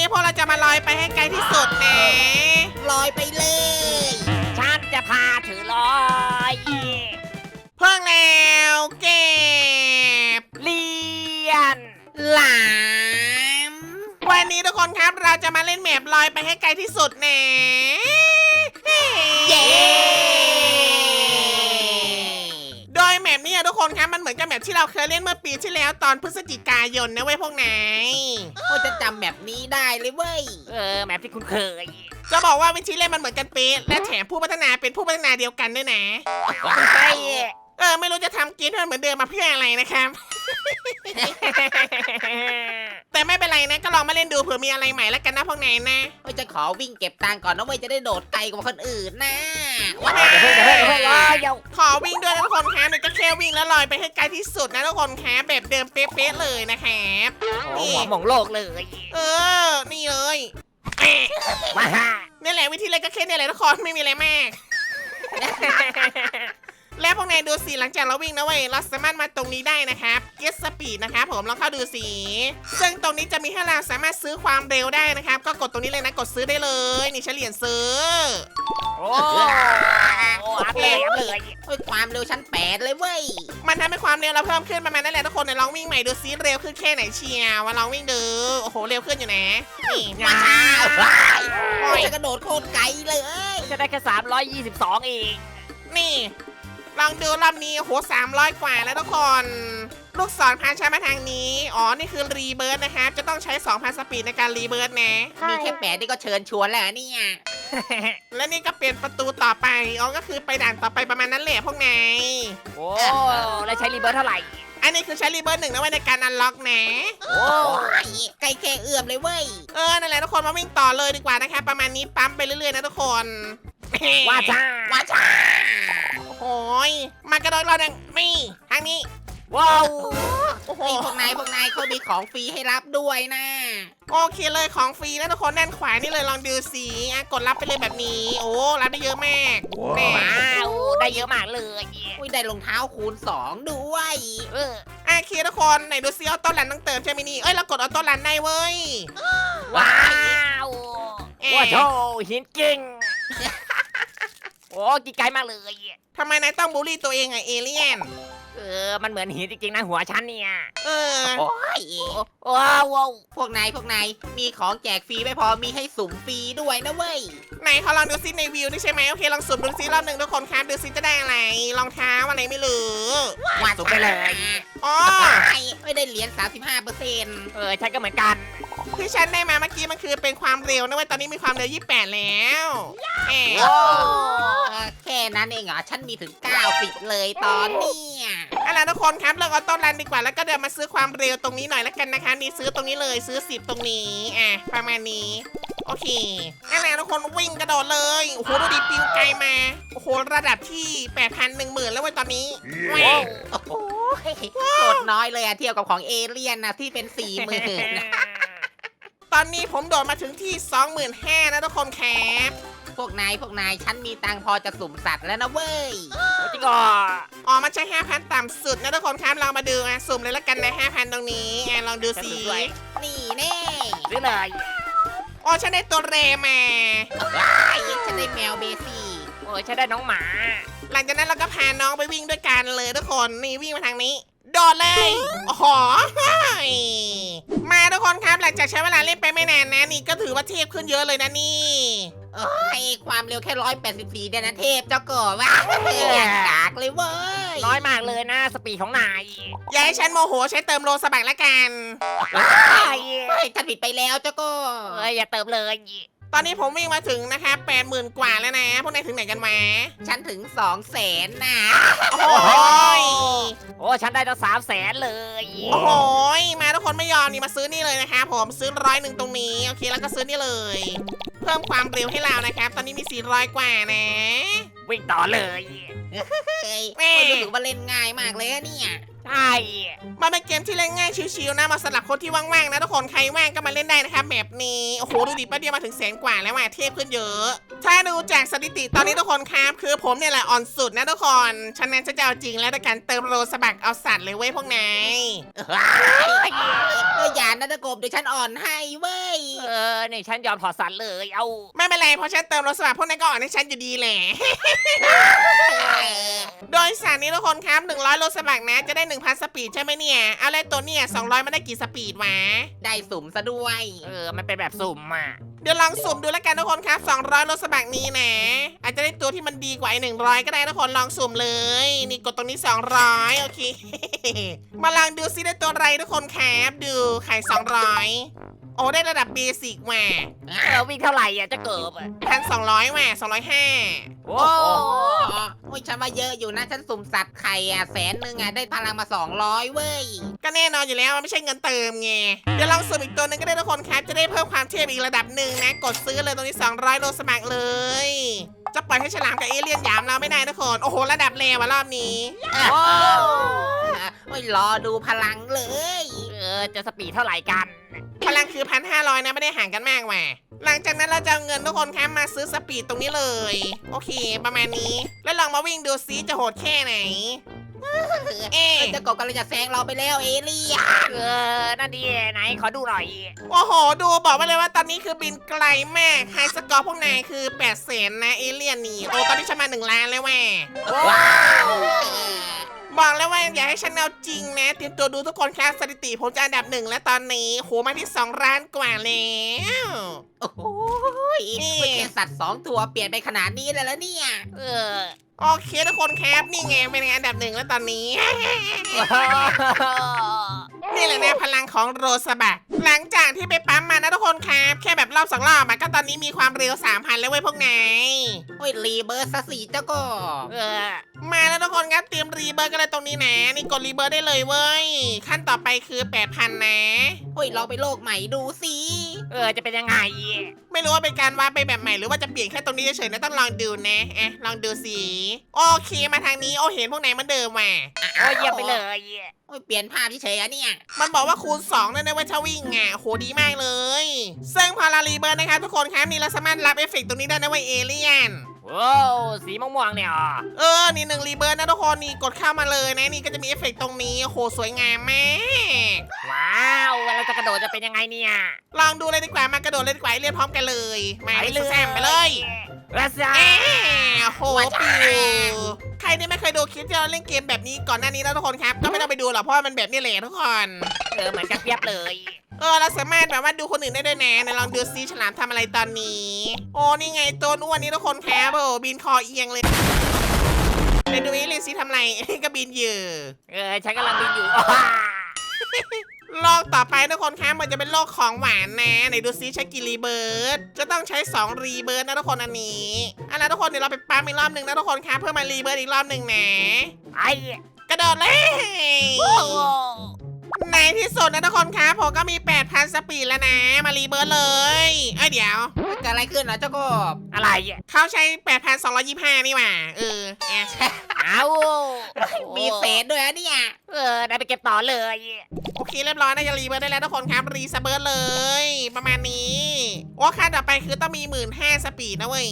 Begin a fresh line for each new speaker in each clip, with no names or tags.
พวกเราจะมาลอยไปให้ไกลที่สุดนะ
ลอยไปเลย
ฉันจะพาถือลอย
เพิ่งแล้วเก็บ
เลียน
หลาม
วันนี้ทุกคนครับเราจะมาเล่นแมปลอยไปให้ไกลที่สุดนะ
เย้
โดยแมปนี้ทุกคนครับมันเหมือนกับแมปที่เราเคยเล่นเมื่อปีที่แล้วตอนพฤศจิกายนนะเว้ยพวกนาย
โอ้จะจำแบบนี้ได้เลยเว้ย
แมปที่คุณเคย
จะบอกว่าวิธีเล่นมันเหมือนกันเป๊ะและแถมผู้พัฒนาเป็นผู้พัฒนาเดียวกันด้วยนะ
ใช่
ไม่รู้จะทำเกมให้มันเหมือนเดิมมาเพื่ออะไรนะครับ แต่ไม่เป็นไรนะก็ลองมาเล่นดูเผื่อมีอะไรใหม่แล้วกันนะพวกนายนะ
โอ้จะขอวิ่งเก็บตังค์ก่อนนะเว้ยจะได้โดดไกลกว่าคนอื่นนะว้า
เดี๋ยวเพิ่งลอยเดี๋ยว
ขอวิ่งด้วยนะทุกคนครับเดี๋ยวก็แค่วิ่งแล้วลอยไปให้ไกลที่สุดนะทุกคนครับแบบเดิมเป๊ะๆเลยนะครับ
โอ้หัวหมองโลกเลย
นี่เลยแหม่
ว้า
นี่แหละวิธีเล่นก็แค่นี้แหละทุกคนไม่มีอะไรมาก แล้วพวกนายดูสิหลังจากเราวิ่งนะเว้ยเราสามารถมาตรงนี้ได้นะครับ Get Speed นะครับผมลองเข้าดูสิซึ่งตรงนี้จะมีให้เราสามารถซื้อความเร็วได้นะครับก็กดตรงนี้เลยนะกดซื้อได้เลยนี่เฉลี่ยซื้อ
โอ้อัพเลย
โอ้ยความเร็วชั้น8เลยเว้ย
มันทำให้ความเร็วเราเพิ่มขึ้นประมาณนั้นแหละทุกคนเดี๋ยวลองวิ่งใหม่ดูซิเร็วขึ้นแค่ไหนเชียวมาลองวิ่งดูโอ้โหเร็วขึ้นอยู่นะนี่
ว้าวว้ายโอ้ยจะกระโดดโคตรไกลเลย
จะได้แค่322เอง
นี่ลองดูรอบนี้โอ้โห300 กว่าแล้วทุกคน ลูกศรพาใช้มาทางนี้อ๋อนี่คือรีเบิร์ดนะครับจะต้องใช้ 2,000 สปีดในการรีเบิร์ดนะ
มีแค่8นี่ก็เชิญชวนแล้วเนี่ย
และนี่ก็เปลี่ยนประตูต่อไปอ๋อก็คือไปด่านต่อไปประมาณนั้นแหละพวกนาย
โอ้แล้วใช้รีเบิร์เท่าไหร่
อันนี้คือใช้รีเบิร์ด1นะไว้ในการอันล็อกนะ
โอ้
โอ้ยใกล้แค่เอื้อมเลยเว้ย
นั่นแหละทุกคนมาวิ่งต่อเลยดีกว่านะครับประมาณนี้ปั๊มไปเรื่อยๆนะทุกคน
ว่าจ้า
ว้าจ้า
โอ้ยมากระโดดเราหนึ่งนี่ทางนี้
ว้าว
โอ้โห
ไอ้พวกนายเขามีของฟรีให้รับด้วยนะ
โอเคเลยของฟรีนะทุกคนด้านขวานี่เลยลองดูสิกดรับไปเลยแบบนี้โอ้รับได้เยอะมากแน่
ว้าวได้เยอะมากเลย
อุ้ยได้รองเท้าคูณ2ด้วย
โอเคทุกคนไหนดูซิออโต้รันต้องเติมใช่ไหมนี่เรากดออโต้รันได้เว้ย
ว้าวว้าวโชหินกิ่งโอ้กี่ไกลมากเลย
ทำไมนายต้องบูลลี่ตัวเองไงเอเลี่ยน
มันเหมือนหินจริงๆนะหัวฉันเนี่ย
เออ
โอ้ย
ว้าว
พวกนายมีของแจกฟรีไม่พอมีให้สุ่มฟรีด้วยนะเว้ย
ไหนเขาลองดูซิในวิวนี่ใช่ไหมโอเคลองสุ่มดูซิรอบหนึ่งทุกคนครับดูซิจะได้อะไรรองเท้าอะไรไม่รู้
ว่า
สุ่มไปเลย
อ๋อ
ไม่ได้เหรียญ35%
ฉันก็เหมือนกัน
ที่ฉันได้มาเมื่อกี้มันคือเป็นความเร็วนะเว้ยตอนนี้มีความเร็ว28แล้วแหม
แค่นั้นเองเหรอฉันมีถึง90เลยตอนเนี้ย
เอาล่ะทุกคนครับเลือกออโต้รันดีกว่าแล้วก็เดินมาซื้อความเร็วตรงนี้หน่อยแล้วกันนะคะนี่ซื้อตรงนี้เลยซื้อ10ตรงนี้ประมาณนี้โอเคเอาล่ะทุกคนวิ่งกระโดดเลยโอ้โหดูดิปิวไกลมาโอ้โหระดับที่ 8,000 10,000แล้วเว้ยตอนนี้แหม่
โอ้โหโคตรน้อยเลยอะเทียบกับของเอเลี่ยนนะที่เป็น40,000นะ
ตอนนี้ผมโดดมาถึงที่ 25,000นะทุกคนครับ
พวกนายฉันมีตังค์พอจะสุ่มสัตว์แล้วนะเว้ย
จริงอ่ะ
อ๋อมันใช้ 5,000 ต่ำสุดนะทุกคนครับลองมาดูสุ่มเลยแล้วกันนะ 5,000 ตรงนี้ลองดูสิ
นี่แน่
ซื้อเลย
อ๋อฉันได้ตัวเรมา
ว้ายฉันได้แมวเบซี่
ฉันได้น้องหมา
หลังจากนั้นเราก็พาน้องไปวิ่งด้วยกันเลยทุกคนนี่วิ่งมาทางนี้โดดเลยโอ้โหมาทุกคนครับหลังจากใช้เวลาเล่นไปไม่นานนะนี่ก็ถือว่าเทพขึ้นเยอะเลยนะนี่
โอ้ยความเร็วแค่184เดยวนะเทพเจ้าก่อว้าวอย่างกากเลยเว้ย
น้อยมากเลยนะสปีดของนาย
อย่าให้ฉันโมโหใช้เติมโลสบักละกัน
เฮ้ยฉันผิดไปแล้วเจ้าก็
อย่าเติมเลย
ตอนนี้ผมวิ่งมาถึงนะคะ80,000 กว่าแล้วนะพวกนายถึงไหนกันมา
ฉันถึง200,000นะ
โอ้โห
ฉันได้ตั้ง300,000เลย
โอ้โหมาทุกคนไม่ยอมนี่มาซื้อนี่เลยนะคะผมซื้อ100ตรงนี้โอเคแล้วก็ซื้อนี่เลย เพิ่มความเร็วให้เรานะครับตอนนี้มี400กว่านะ
วิ่งต่อเลย
เฮ้ยโอ้ยรู้สึกว่าเล่นง่ายมากเลยอะเนี่ย
ใช่
มันเป็นเกมที่เล่นง่ายชิวๆนะมาสำหรับคนที่ว่างๆนะทุกคนใครว่างก็มาเล่นได้นะครับแบบนี้โอ้โหดูดิแป๊บเดียวมาถึง100,000 กว่าแล้วเทพขึ้นเยอะ ถ้าดูจากสถิติตอนนี้ทุกคนครับคือผมเนี่ยแหละอ่อนสุดนะทุกคนฉะนั้นฉันจะเอาจริงแล้วด้วยการเติมโลสบักเอาสัตว์เลยเว้ยพวกนาย
อย่านะตะกบเดี๋ยวฉันอ่อนให้เว้ย
นี่ฉันยอมถอดสันเลยเอา
ไม่เป็นไรเพราะฉันเติมรถสมัครพวกนั้นก็อ่อนให้ฉันอยู่ดีแหละ โดยสารนี้ทุกคนครับ100รถสมัครนะจะได้ 1,000 สปีดใช่ไหมเนี่ยเอาเลยตัวเนี่ย200มันได้กี่สปีดวะ
ได้สุ่มซะด้วย
มันเป็นแบบสุ่มอ่ะ
เดี๋ยวลองสุ่มดูแล้วกันทุกคนครับ200รถสมัครนี้นะอาจจะได้ตัวที่มันดีกว่าไอ้100ก็ได้ทุกคนลองสุ่มเลยนี่กดตรงนี้200โอเค มาลองดูซิได้ตัวอะไรทุกคนครับดูไข่200โอ้ได้ระดับเบสิกว่ะ
วิ่งเท่าไหร่อ่ะจะเกิบอ่ะ
1,200ว่ะ205
โอ้
โอ้ยฉันว่าเยอะอยู่นะฉันสุ่มสัตว์ไข่อ่ะ100,000อ่ะได้พลังมา200เว้ย
ก็แน่นอนอยู่แล้วมันไม่ใช่เงินเติมไงเดี๋ยวลองสุ่มอีกตัวหนึงก็ได้ทุกคนครับจะได้เพิ่มความเทพอีกระดับหนึ่งนะกดซื้อเลยตรงนี้200โลสมัครเลยจะปล่อยให้ฉลามกับเอเลี่ยนหยามเราไม่ได้ทุกคนโอ้โหระดับเลวอะรอบนี้
โอ้
โอ้ยรอดูพลังเลย
จะสปีดเท่าไหร่กัน
พลังคือ1,500นะไม่ได้ห่างกันมากว่ะหลังจากนั้นเราจะเอาเงินทุกคนครับมาซื้อสปีดตรงนี้เลยโอเคประมาณนี้แล้วลองมาวิ่งดูซิจะโหดแค่ไหนเอ๊ะ
เจ้ากบกำลังจะแซงเราไปแล้วเอเลี่ยน
นั่นดีไหนขอดูหน่อย
โอ้โหดูบอกไว้เลยว่าตอนนี้คือบินไกลมากไฮสกอร์พวกนายคือ800,000นะเอเลี่ยนนี่โอ้ตอนนี้ฉันมา1 ล้านแล้วแม่
ว้าว
บอกแล้วว่าอย่าให้ฉันเอาจริงนะเตรียมตัวดูทุกคนครับสถิติผมจะอันดับ1และตอนนี้โหมาที่2 ล้านกว่าแล้ว
โอ้โหแค่สัตว์2 ตัวเปลี่ยนไปขนาดนี้เลยแล้วเนี่ย
โอเคทุกคนครับนี่ไงเป็นอันดับ1แล้วตอนนี้ นี่แหละนะพลังของโรสบักหลังจากที่ไปปั๊มมานะทุกคนครับแค่แบบรอบ2 รอบมันก็ตอนนี้มีความเร็ว 3,000 แล้วเว้ยพวกนาย
โอ้ยรีเบิร์สสีเจ้าก็
มาแล้วทุกคนครับเตรียมรีเบิร์กันเลยตรงนี้นะนี่กดรีเบิร์ได้เลยเว้ยขั้นต่อไปคือ 8,000 นะ
โอ้ยลองไปโลกใหม่ดูสิ
จะเป็นยังไง
ไม่รู้ว่าเป็นการวาดไปแบบใหม่หรือว่าจะเปลี่ยนแค่ตรงนี้เฉยๆนะต้องลองดูนะลองดูสิโอเคมาทางนี้โอ้เห็นพวกนายเหมือนเดิมว่ะ
โอ้เยี่ยมไปเลย
โอ้ยเปลี่ยนภาพเฉยๆอะเนี่ย
มันบอกว่าคูณ2นั่นนะเว้ยถ้าวิ่งอ่ะโหดีมากเลยซึ่งพอเรารีเบิร์นะครับทุกคนครับนี่เราสามารถรับเอฟเฟกต์ตรงนี้ได้นะเว้ยเอเลี่ยน
โอ้สีม่วงๆเนี่ย
นี่1รีเบิร์นะทุกคนนี่กดเข้ามาเลยนะนี่ก็จะมีเอฟเฟกต์ตรงนี้โหสวยงามมาก
ว้าวเราจะกระโดดจะเป็นยังไงเนี่ย
ลองดูเลยดีกว่ามากระโดดเลยดีกว่าเรียนพร้อมกันเลยมาไปเลยแซมไปเลย
รัสซา
โหปิวใครที่ไม่เคยดูคลิปที่เราเล่นเกมแบบนี้ก่อนหน้านี้แล้วทุกคนครับก็ไม่ต้องไปดูหรอกเพราะว่ามันแบบนี้แหละทุกคน
เหมือนกันเปียบเลย
เราสามารถแบบว่าดูคนอื่นได้ด้วยนะไหนลองดูซิฉลามทำอะไรตอนนี้ โอ้นี่ไงตัวอ้วนนี้ทุกคนครับโอ้บินคอเอียงเลยไหนดูเอเลี่ยนซิทำอะไร ก็บินอยู่
ฉันกำลังบินอยู่
โลกต่อไปทุกคนครับมันจะเป็นโลกของหวานนะไหนดูซิใช้กี่รีเบิร์ดจะต้องใช้2รีเบิร์ดนะทุกคนอันนี้ทุกคนเดี๋ยวเราไปปั๊มอีกรอบหนึ่งนะทุกคนครับเพื่อมารีเบิร์ดอีกรอบหนึ่งนะ
ไอ้
กระโดดเลยในที่สุดนะทุกคนครับผมก็มี 8,000 สปีดแล้วนะมารีเบิร์ดเลยเดี๋ยว
เกิดอะไรขึ้นเหรอเจ้ากบ
อะไร
เขาใช้ 8,225 นี่หว่า
เอา
มีเศษด้วยอะเนี่ย
ได้ไปเก็บต่อเลย
โอเคเรียบร้อยน่าจะรีเบิร์ดได้แล้วทุกคนครับรีสเบิร์ดเลย ประมาณนี้โอ้ค่าต่อไปคือต้องมี 15,000 สปีดนะเว้ย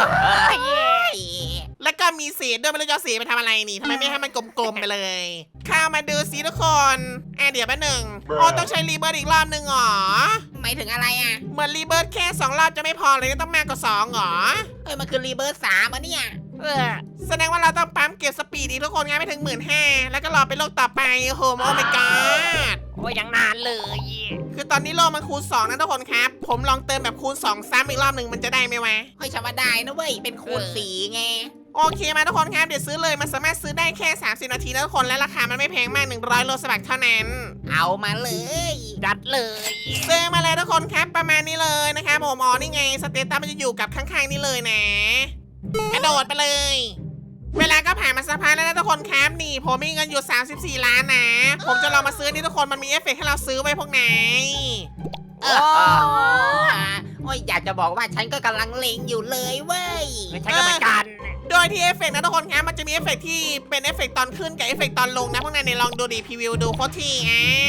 แล้วก็มีเศษด้วยไม่รู้จะเอาเศษไปทำอะไรนี่ทำไมไม่ให้มันกลมๆไปเลยเข้ามาดูสิทุกคนเดี๋ยวแป๊บหนึ่งต้องใช้รีเบิร์ดอีกรอบหนึ่งหรอ
หมายถึงอะไรอ่ะ
เหมือนรีเบิร์ดแค่2 รอบจะไม่พอเลยต้องมากกว่า2หรอ
มันคือรีเบิร์ส3อะเนี่ย
แสดงว่าเราต้องปั๊มเก็บสปีดอีกทุกคนงั้นไม่ถึง 15,000 แล้วก็รอไปโลกต่อไปโอ้โหโอ้ my god
โอ้ยยังนานเลย
คือตอนนี้โลกมันคูณ2นะทุกคนครับผมลองเติมแบบคูณ2ซ้ำอีกรอบหนึ่งมันจะได้ไหมวะ
เฮ้ยฉันว่าได้นะเว้ยเป็นคูณสีไง
โอเคมาทุกคนครับเดี๋ยวซื้อเลยมันสามารถซื้อได้แค่30 นาทีนะทุกคนและราคามันไม่แพงมาก100โลสบักเท่านั้น
เอามาเลย
จัดเลย
ซื้อมาเลยทุกคนครับประมาณนี้เลยนะครับผมนี่ไงสเตตัสมันจะอยู่กับข้างๆนี่เลยนะกระโดดไปเลย เวลาก็ผ่านมาสักพักแล้วนะทุกคนครับนี่ผมมีเงินอยู่34 ล้านนะผมจะลองมาซื้อนี่ทุกคนมันมีเอฟเฟกต์ให้เราซื้อไว้พวกไหน
โอ้ยอยากจะบอกว่าฉันก็กำลังเล็งอยู่เลยเว้ย
ฉันก็เหมือนกัน
โดยที่เอฟเฟกต์นะทุกคนครับมันจะมีเอฟเฟกต์ที่เป็นเอฟเฟกต์ตอนขึ้นกับเอฟเฟกต์ตอนลงนะพวกนายเนี่ยลองดูดิพรีวิวดูโคตรที่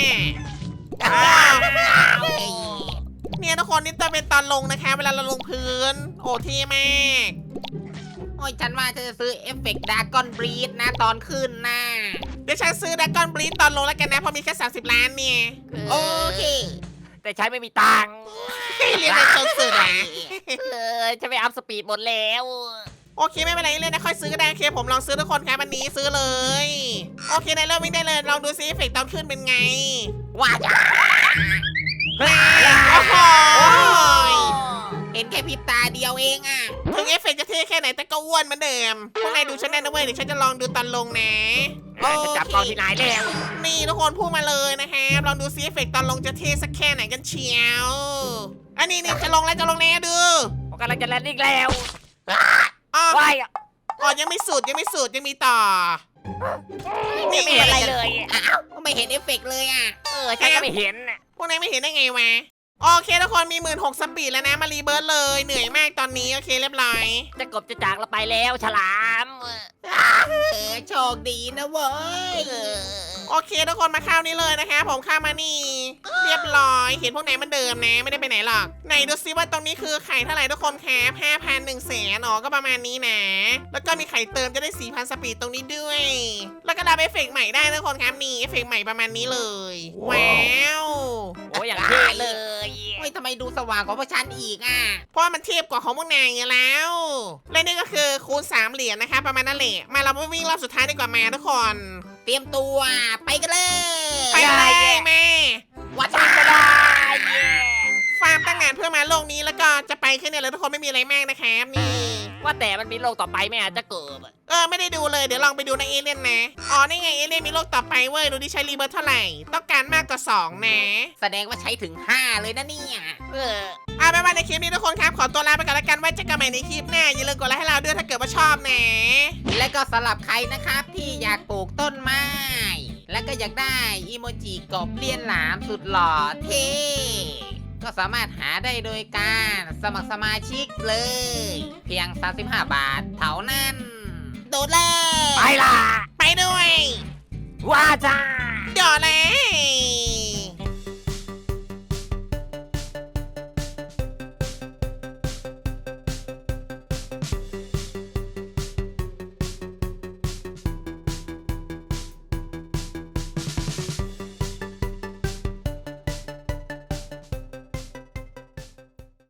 เนี่ยทุกคนนี่จะเป็นตอนลงนะคะเวลาเราลงพื้นโอ้เท่มาก
โอ้ยฉันว่าจะซื้อเอฟเฟกต์ดากอนบรีดนะตอนขึ้นนะ
เดี๋ยวฉันซื้อดากอนบลีดตอนลงแล้วกันนะเพราะมีแค่30 ล้านเนี่ย
โอเค
แต่ใช้ไม่มีตังค์
เรียนในจนสุดอ่ะ
จะไปอัพสปีดหมดแล้ว
โอเคไม่เป็นไรเลยนะค่อยซื้อก็ได้โอเคผมลองซื้อทุกคนครับวันนี้ซื้อเลยโอเคได้เริ่มวิ่งได้เลยลองดูซิเอฟเฟกต์ตอนขึ้นเป็นไง
ว้าจ้า
โอ้โห
เห็นแค่พริบตาเดียวเองอ่ะ
ถึงเอฟเฟกต์จะเท่แค่ไหนแต่ก็อ้วนเหมือนเดิมพวกนายดูฉันแน่นะเว้ยเดี๋ยวฉันจะลองดูตอนลงนะ
จะจับกล้องที่ไหนแล้ว
นี่ทุกคนพูดมาเลยนะครับลองดูซิเอฟเฟกต์ตอนลงจะเท่สักแค่ไหนกันเชียวอันนี้จะลงแล้วดู
ผมกำลังจะแลนดิ้งแล้ว
อ๋อ
ว้าย
อ๋อยังไม่สุดยังมีต่อ
ไม่เห็นอะไรเลย
อ้าวไม่เห็นเอฟเฟกต์เลยอ่ะ
ฉันก็ไม่เห็นน่ะ
พวกนายไม่เห็นได้ไงวะโอเคทุกคนมี16,000สปีดแล้วนะมารีเบิร์ดเลยเหนื่อยมากตอนนี้โอเคเรียบร้อย
จะกบจะจากเราไปแล้วฉลาม
โชคดีนะเว้ย
โอเคทุกคนมาเข้านี้เลยนะคะผมเข้ามานี่ เรียบร้อยเห็นพวกไหนมันเดิมนะไม่ได้ไปไหนหรอกไหนดูซิว่าตรงนี้คือไข่เท่าไหร่ทุกคนครับ5,000 100,000อ๋อก็ประมาณนี้นะ แล้วก็มีไข่เติมจะได้ 4,000 สปีดตรงนี้ด้วย แล้วก็ดับเอฟเฟกต์ใหม่ได้ทุกคนครับนี่เอฟเฟกต์ใหม่ประมาณนี้เลยว้าว
โอ้อย่างเท่เลย
เฮ้ยทำไมดูสว่างกว่าพวกฉันอีกอ่ะ
เพราะว่ามันเทียบกว่าของพวกนายไงแล้ว และนี่ก็คือคูณ3เหรียญนะคะประมาณนั้นแหละมาเราไปวิ่งรอบสุดท้ายดีกว่ามาทุกคน
เตรียมตัวไปกันเลย
ไปเลยแม่
วัดจ้า
ก็ได้
ฟาร์มตั้งงานเพื่อมาโลกนี้แล้วก็จะไปแค่เนี้เลยทุกคนไม่มีอะไรมากนะครับนี่
ว่าแต่มันมีโลกต่อไปไหมอาจจะเกิด
ไม่ได้ดูเลยเดี๋ยวลองไปดูในเอเลี่ยนนะอ๋อนี่ไงเอเลี่ยนมีโลกต่อไปเว้ยดูดิใช้รีเบิร์ตเท่าไหร่ต้องการมากกว่า2นะ
แสดงว่าใช้ถึง 5 เลยนะเนี่ย
เอาไปในคลิปนี้ทุกคนครับขอตัวลาไปก่อนแล้วกันไว้เจอกันใหม่ในคลิปหน้าอย่าลืมกดไลค์ให้เราด้วยถ้าเกิดว่าชอบนะ
และก็สำหรับใครนะครับที่อยากปลูกต้นไม้ และก็อยากได้อีโมจิกบเลียนหลามสุดหล่อเท่ก็สามารถหาได้โดยการสมัครสมาชิกเลย เพียง 35 บาทเท่านั้น โดดเลย
ไปล่ะ
ไปด้วย
ว่าจ้า
เดี๋ยวเลย